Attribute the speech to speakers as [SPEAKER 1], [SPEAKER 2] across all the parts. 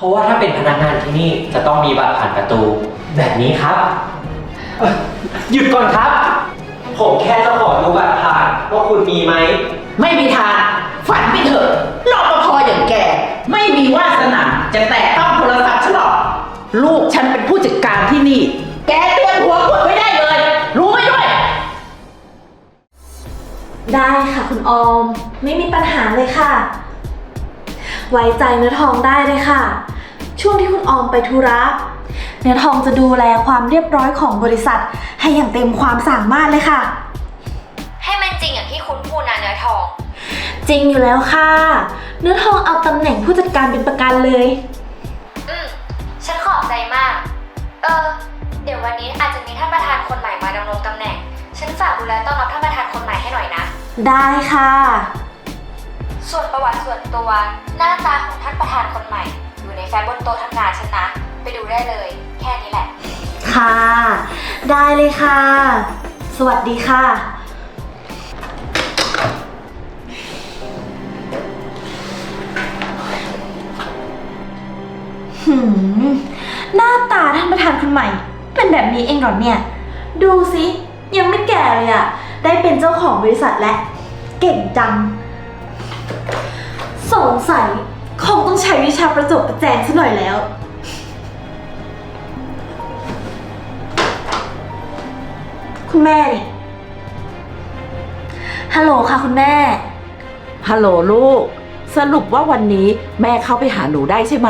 [SPEAKER 1] ราะว่าถ้าเป็นพนักงานที่นี่จะต้องมีบัตรผ่านประตูแบบนี้ครับหยุดก่อนครับผมแค่จะขอดูบัตรผ่านว่าคุณมีไหม
[SPEAKER 2] ไม่มีทางฝันไปเถอะรปภอย่างแกไม่มีวาสนาจะแตะต้องโทรศัพท์ฉันหรอกลูกฉันเป็นผู้จัดการที่นี่แกเตรียมหัวกดไว้ได้เลยรู้ไหมด้วย
[SPEAKER 3] ได้ค่ะคุณออมไม่มีปัญหาเลยค่ะไว้ใจเนื้อทองได้เลยค่ะช่วงที่คุณออมไปธุระเนื้อทองจะดูแลความเรียบร้อยของบริษัทให้อย่างเต็มความสามารถเลยค่ะ
[SPEAKER 4] ให้มันจริงอย่างที่คุณพูดนะเนื้อทอง
[SPEAKER 3] จริงอยู่แล้วค่ะเนื้อทองเอาตำแหน่งผู้จัดการเป็นประกันเลย
[SPEAKER 4] ฉันขอบใจมากเดี๋ยววันนี้อาจจะมีท่านประธานคนใหม่มาดำรงตำแหน่งฉันฝากดูแลต้อนรับท่านประธานคนใหม่ให้หน่อยนะ
[SPEAKER 3] ได้ค่ะ
[SPEAKER 4] ส่วนประวัติส่วนตัวหน้าตาของท่านประธานคนใหม่อยู่ในแฟ้มบนโต๊ะทำงานฉันนะไปดูได้เลยแค่นี้แหละ
[SPEAKER 3] ค่ะได้เลยค่ะสวัสดีค่ะหน้าตาท่านประธานคนใหม่เป็นแบบนี้เองเหรอเนี่ยดูสิยังไม่แก่เลยอะได้เป็นเจ้าของบริษัทและเก่งจังสงสัยคงต้องใช้วิชาประจบประแจงซะหน่อยแล้วคุณแม่นี่ฮัลโหลค่ะคุณแม่
[SPEAKER 2] ฮัลโหลลูกสรุปว่าวันนี้แม่เข้าไปหาหนูได้ใช่ไหม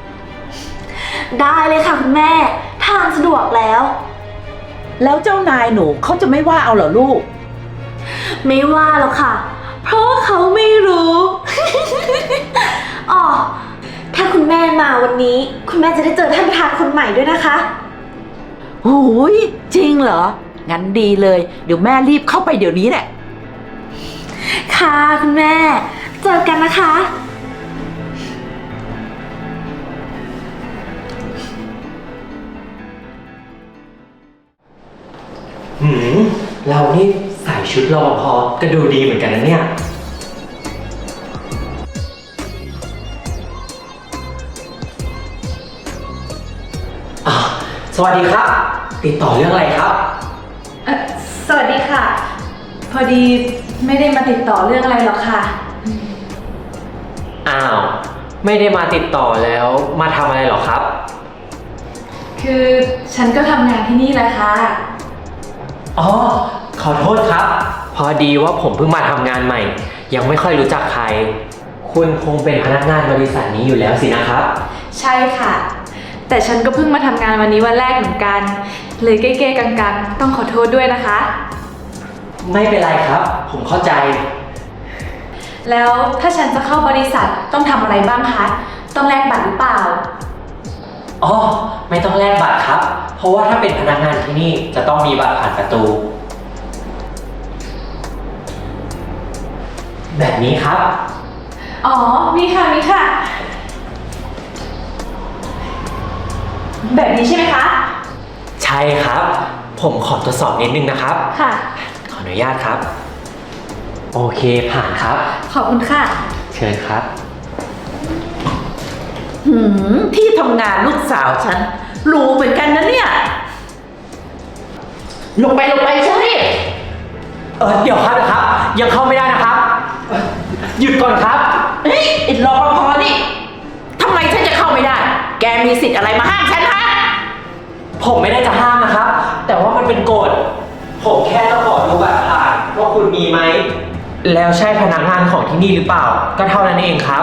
[SPEAKER 3] ได้เลยค่ะคุณแม่ทางสะดวกแล้ว
[SPEAKER 2] แล้วเจ้านายหนูเขาจะไม่ว่าเอาเหรอลูก
[SPEAKER 3] ไม่ว่าหรอกค่ะเพราะว่าเขาไม่รู้ อ๋อถ้าคุณแม่มาวันนี้คุณแม่จะได้เจอท่านประธานคนใหม่ด้วยนะคะ
[SPEAKER 2] หูยจริงเหรองั้นดีเลยเดี๋ยวแม่รีบเข้าไปเดี๋ยวนี้แหละ
[SPEAKER 3] ค่ะคุณแม่เจอกันนะคะ
[SPEAKER 1] เรานี่ใส่ชุดรปภก็ดูดีเหมือนกันนะเนี่ยสวัสดีครับติดต่อเรื่องอะไรครับ
[SPEAKER 3] สวัสดีค่ะพอดีไม่ได้มาติดต่อเรื่องอะไรหรอกค่ะ
[SPEAKER 1] อ้าวไม่ได้มาติดต่อแล้วมาทำอะไรหรอครับ
[SPEAKER 3] คือฉันก็ทำงานที่นี่แหละค่ะ
[SPEAKER 1] อ๋อขอโทษครับพอดีว่าผมเพิ่งมาทำงานใหม่ยังไม่ค่อยรู้จักใครคุณคงเป็นพนักงานบริษัทนี้อยู่แล้วสินะครับ
[SPEAKER 3] ใช่ค่ะแต่ฉันก็เพิ่งมาทำงานวันนี้วันแรกเหมือนกันเลยเก้ๆกังๆต้องขอโทษด้วยนะคะ
[SPEAKER 1] ไม่เป็นไรครับผมเข้าใจ
[SPEAKER 3] แล้วถ้าฉันจะเข้าบริษัทต้องทำอะไรบ้างคะต้องแลกบัตรหรือเปล่า
[SPEAKER 1] อ๋อไม่ต้องแลกบัตรครับเพราะว่าถ้าเป็นพนักงานที่นี่จะต้องมีบัตรผ่านประตูแบบนี้ครับ
[SPEAKER 3] อ๋อมีค่ะมีค่ะแบบนี้ใช่ไหมคะ
[SPEAKER 1] ใช่ครับผมขอทดสอบนิดนึงนะครับ
[SPEAKER 3] ค่ะ
[SPEAKER 1] ขออนุญาตครับโอเคผ่านครับ
[SPEAKER 3] ขอบคุณค่ะ
[SPEAKER 1] เชิญครับ
[SPEAKER 2] ที่ทำงานลูกสาวฉันรู้เหมือนกันนะเนี่ยลงไปใช่ไหม
[SPEAKER 1] เดี๋ยวครับยังเข้าไม่ได้นะครับหยุดก่อนครับ
[SPEAKER 2] เฮ้ยไอ้รปภนี่ทำไมฉันจะเข้าไม่ได้แกมีสิทธิ์อะไรมาห้ามฉันฮะ
[SPEAKER 1] ผมไม่ได้จะห้ามนะครับแต่ว่ามันเป็นกฎผมแค่จะขอดูบัตรผ่านว่าคุณมีไหมแล้วใช่พนักงานของที่นี่หรือเปล่าก็เท่านั้นเองครับ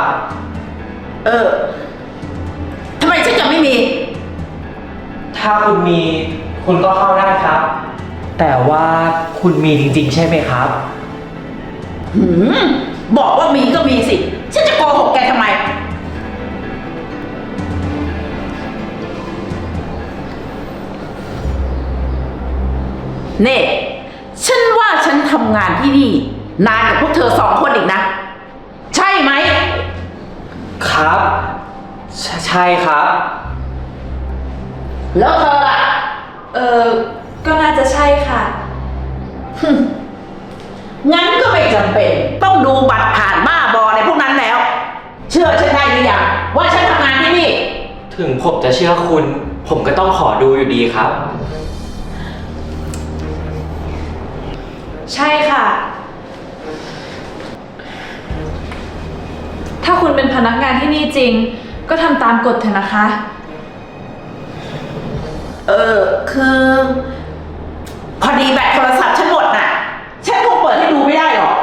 [SPEAKER 2] ทำไมฉันจะไม่มี
[SPEAKER 1] ถ้าคุณมีคุณก็เข้าได้ครับแต่ว่าคุณมีจริงๆใช่ไหมครับ
[SPEAKER 2] บอกว่ามีก็มีสิฉันจะโกหกแกทำไมเน่ฉันว่าฉันทำงานที่นี่นานกับพวกเธอสองคนอีกนะใช่ไหม
[SPEAKER 1] ครับใช่ครับ
[SPEAKER 2] แล้วเธอล่ะ
[SPEAKER 3] ก็น่าจะใช่ค่ะ
[SPEAKER 2] งั้นก็ไม่จำเป็นต้องดูบัตรผ่านบ้าบอในพวกนั้นแล้วเชื่อฉันได้หรือยังว่าฉันทำงานที่นี่
[SPEAKER 1] ถึงผมจะเชื่อคุณ ผมก็ต้องขอดูอยู่ดีครับ
[SPEAKER 3] ใช่ค่ะ ถ้าคุณเป็นพนักงานที่นี่จริง ก็ทำตามกฎเถอะนะคะ
[SPEAKER 2] คือพอดีแบตโทรศัพท์ฉันหมดน่ะ ฉันคงเปิดให้ดูไม่ได้หรอก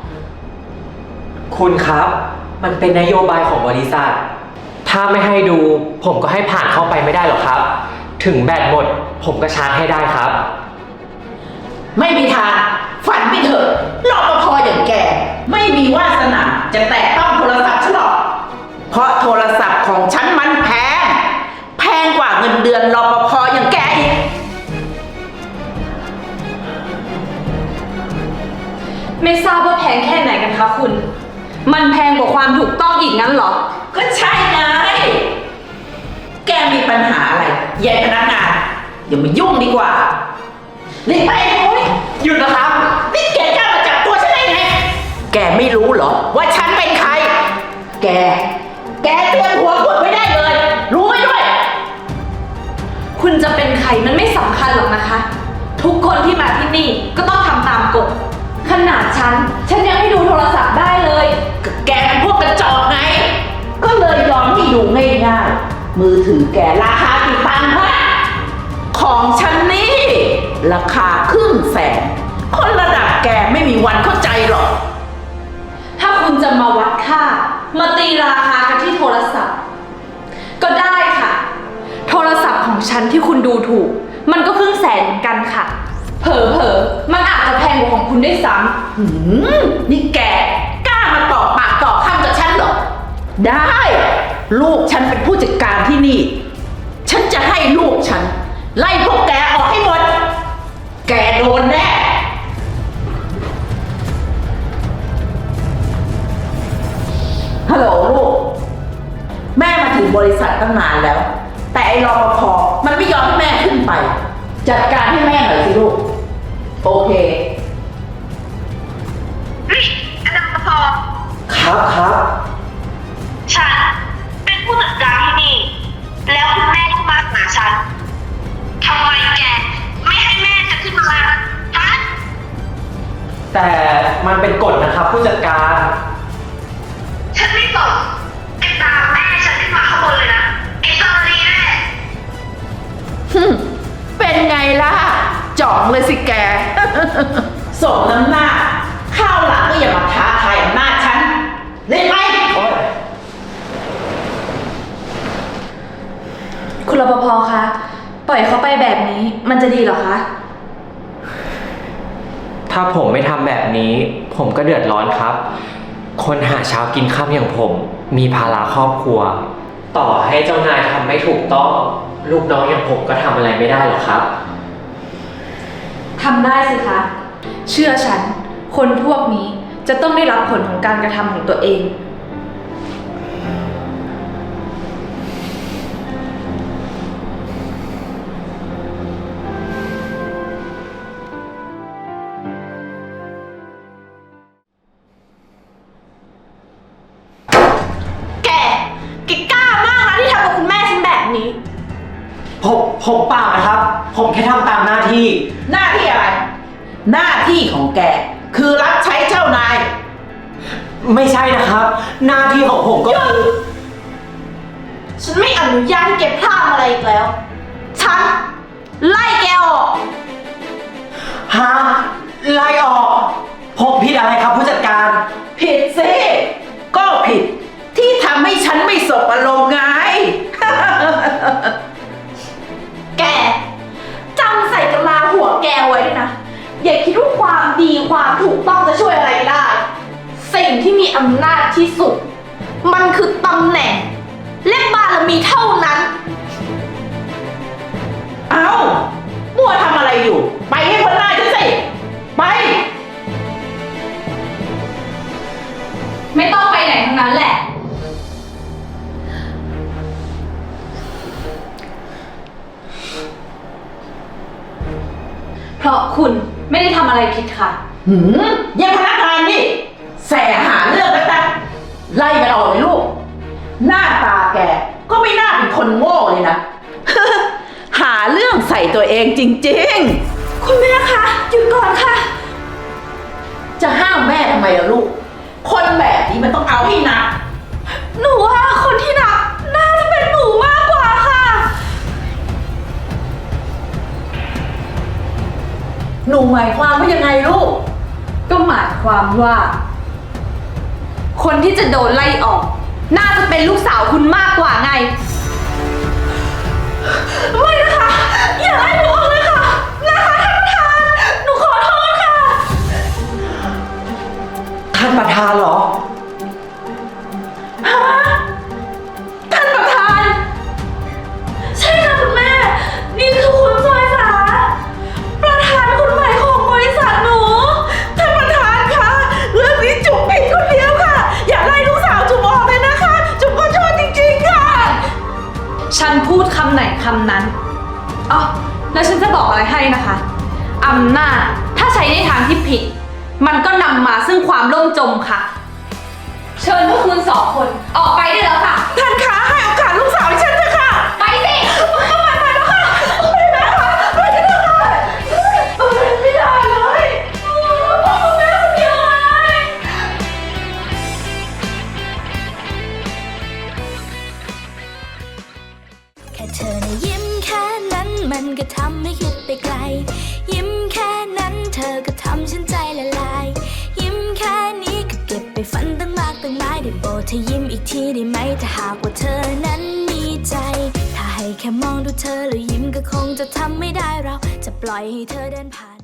[SPEAKER 1] คุณครับ มันเป็นนโยบายของบริษัท ถ้าไม่ให้ดู ผมก็ให้ผ่านเข้าไปไม่ได้หรอกครับ ถึงแบตหมด ผมก็ชาร์จให้ได้ครับ
[SPEAKER 2] ไม่มีทางฝันไม่เถอะรปภอย่างแก ไม่มีวาสนาจะแตะต้องโทรศัพท์ฉันหรอก เพราะโทรศัพท์ของฉันมันแพง แพงกว่าเงินเดือนรปภอย่างแกอีก
[SPEAKER 3] ไม่ทราบว่าแพงแค่ไหนกันคะคุณ มันแพงกว่าความถูกต้องอีกงั้นเหรอ
[SPEAKER 2] ก็ใช่ไง แกมีปัญหาอะไรยายพนักงานอย่ามายุ่งดีกว่าหลีกไปโอ้ย
[SPEAKER 1] หยุดนะครับ
[SPEAKER 2] นี่แกกล้ามาจับตัวฉันได้ไง แกไม่รู้เหรอว่าฉันเป็นใคร แกเตรียมหัวกดไว้ได้เลย รู้ไว้ด้วย
[SPEAKER 3] คุณจะเป็นใครมันไม่สำคัญหรอกนะคะ ทุกคนที่มาที่นี่ก็ต้องทำตามกฎ ขนาดฉันยังให้ดูโทรศัพท์ได้เลย
[SPEAKER 2] แกเป็นพวกกระจอกไง ก็เลยยอมให้ดูง่ายๆ มือถือแกราคากี่ตังค์ฮะของฉันนี่ ราคา100,000คนระดับแกไม่มีวันเข้าใจหรอก
[SPEAKER 3] ถ้าคุณจะมาวัดค่า มาตีราคากันที่โทรศัพท์ ก็ได้ค่ะ โทรศัพท์ของฉันที่คุณดูถูก มันก็100,000เหมือนกันค่ะ เผลอๆมันอาจจะแพงกว่าของคุณด้วยซ้
[SPEAKER 2] นี่แกกล้ามาต่อปากต่อคำกับฉันเหรอ ได้ ลูกฉันเป็นผู้จัดการที่นี่ ฉันจะให้ลูกฉัน ไล่พวกแกออกให้หมด แกโดนแน่ ฮัลโหลลูก แม่มาถึงบริษัทตั้งนานแล้ว แต่ไอ้รปภมันไม่ยอมให้แม่ขึ้นไป จัดการให้แม่หน่อยสิลูก โอเค
[SPEAKER 4] เฮ้ยอาจารย์ปอ
[SPEAKER 1] ครับ
[SPEAKER 4] ฉันเป็นผู้จัดการที่นี่ แล้วคุณแม่ก็มาหาฉันทำไมแกไม่ให้แม่จะขึ้นมาฮะ
[SPEAKER 1] แต่มันเป็นกฎนะครับผู้จัดการ
[SPEAKER 4] ฉันไม่ตกไอ้ตามแม่ฉันขึ้นมาข้างบนเลยนะไอ้ตาลีแน่
[SPEAKER 2] เป็นไงล่ะจ่องเลยสิแก สมน้ำหน้า ข้าวหลังก็อย่ามาท้าทายอำนาจฉันเลยไหม
[SPEAKER 3] ำคุณรปภคะ ปล่อยเขาไปแบบนี้มันจะดีเหรอคะ
[SPEAKER 1] ถ้าผมไม่ทำแบบนี้ ผมก็เดือดร้อนครับ คนหาเช้ากินค่ำอย่างผม มีภาระครอบครัว ต่อให้เจ้านายทำไม่ถูกต้อง ลูกน้องอย่างผมก็ทำอะไรไม่ได้หรอกครับ
[SPEAKER 3] ทำได้สิคะ เชื่อฉัน คนพวกนี้จะต้องได้รับผลของการกระทำของตัวเอง
[SPEAKER 5] แกกล้ามากนะที่ทำกับคุณแม่ฉันแบบนี้
[SPEAKER 1] ผมเปล่านะครับ ผมแค่ทำตามหน้าที่
[SPEAKER 2] หน้าที่อะไร หน้าที่ของแก คือรับใช้เจ้านาย
[SPEAKER 1] ไม่ใช่นะครับ หน้าที่ของผมก็คือ
[SPEAKER 5] ฉันไม่อนุญาตให้แกพลาดอะไรอีกแล้ว ฉันไล่แกออก
[SPEAKER 1] ฮะไล่ออก ผมผิดอะไรครับผู้จัดการ
[SPEAKER 2] ผิดสิ ก็ผิดที่ทำให้ฉันไม่สบอารมณ์ไง
[SPEAKER 5] แกจำใส่กะลาหัวแกไว้ด้วยนะ อย่าคิดว่าความดีความถูกต้องจะช่วยอะไรได้ สิ่งที่มีอำนาจที่สุด มันคือตำแหน่ง และบารมีเท่านั้น
[SPEAKER 2] เอามัวทำอะไรอยู่ ไปให้พ้นหน้าฉันสิ ไป
[SPEAKER 3] ไม่ต้องไปไหนทั้งนั้นแหละ เพราะคุณไม่ได้ทำอะไรผิดค่ะ
[SPEAKER 2] ยังพนักงานนี่แสหาเรื่องกันนะไล่มันออกเลยลูก หน้าตาแกก็ไม่น่าเป็นคนคนโง่เลยนะ หาเรื่องใส่ตัวเองจริง
[SPEAKER 3] คุณแม่คะหยุดก่อนค่ะ
[SPEAKER 2] ๆ จะห้ามแม่ทำไมล่ะลูก คนแบบนี้มันต้องเอาให้หนัก
[SPEAKER 3] หนูว่าคนที่หนักน่าจะเป็นหนูมากกว่าค่ะ
[SPEAKER 2] หนูหมายความว่ายังไงลูก
[SPEAKER 5] ก็หมายความว่า คนที่จะโดนไล่ออก น่าจะเป็นลูกสาวคุณมากกว่าไง
[SPEAKER 3] ไม่นะคะ อย่าไล่หนูออกเลยค่ะ นะคะท่านประธาน หนูขอโทษค่ะ
[SPEAKER 1] ท่านประธานเหรอ
[SPEAKER 3] ท่านประธาน ใช่ค่ะคุณแม่ นี่คือคุณจอยสาประธานคนใหม่ของบริษัทหนู ท่านประธานคะเรื่องนี้จุ๋มผิดคนเดียวค่ะ อย่าไล่ลูกสาวจุ๋มออกเลยนะคะ จุ๋มขอโทษจริงๆค่ะ
[SPEAKER 5] ฉันพูดคำไหนคำนั้นอ๋อแล้วฉันจะบอกอะไรให้นะคะ อำนาจถ้าใช้ในทางที่ผิด มันก็นำมาซึ่งความล่มจมค่ะ เชิญพวกคุณสองคนออกไปได้แล้วค่ะ
[SPEAKER 3] ท่านคะให้โอกาสลูกสาวดิฉันเถอะค่ะ
[SPEAKER 5] ไปสิ
[SPEAKER 3] ไปแล้วค่ะไปแล้วค่ะไปแล้วค่ะไม่ได้เลยพ่อคุณแม่คนเดียวเลย
[SPEAKER 6] แค่เธอนะยิ้มแค่นั้นมันก็ทำให้คิดไปไกล ยิ้มแค่นั้นเธอก็ทำฉันใจละลาย ยิ้มแค่นี้ก็เก็บไปฝันตั้งมากตั้งหลายได้โปรดเธอยิ้มอีกทีได้ไหมถ้าหากว่าเธอนั้นมีใจ ถ้าให้แค่มองดูเธอแล้วยิ้มก็คงจะทำไม่ได้เราจะปล่อยให้เธอเดินผ่าน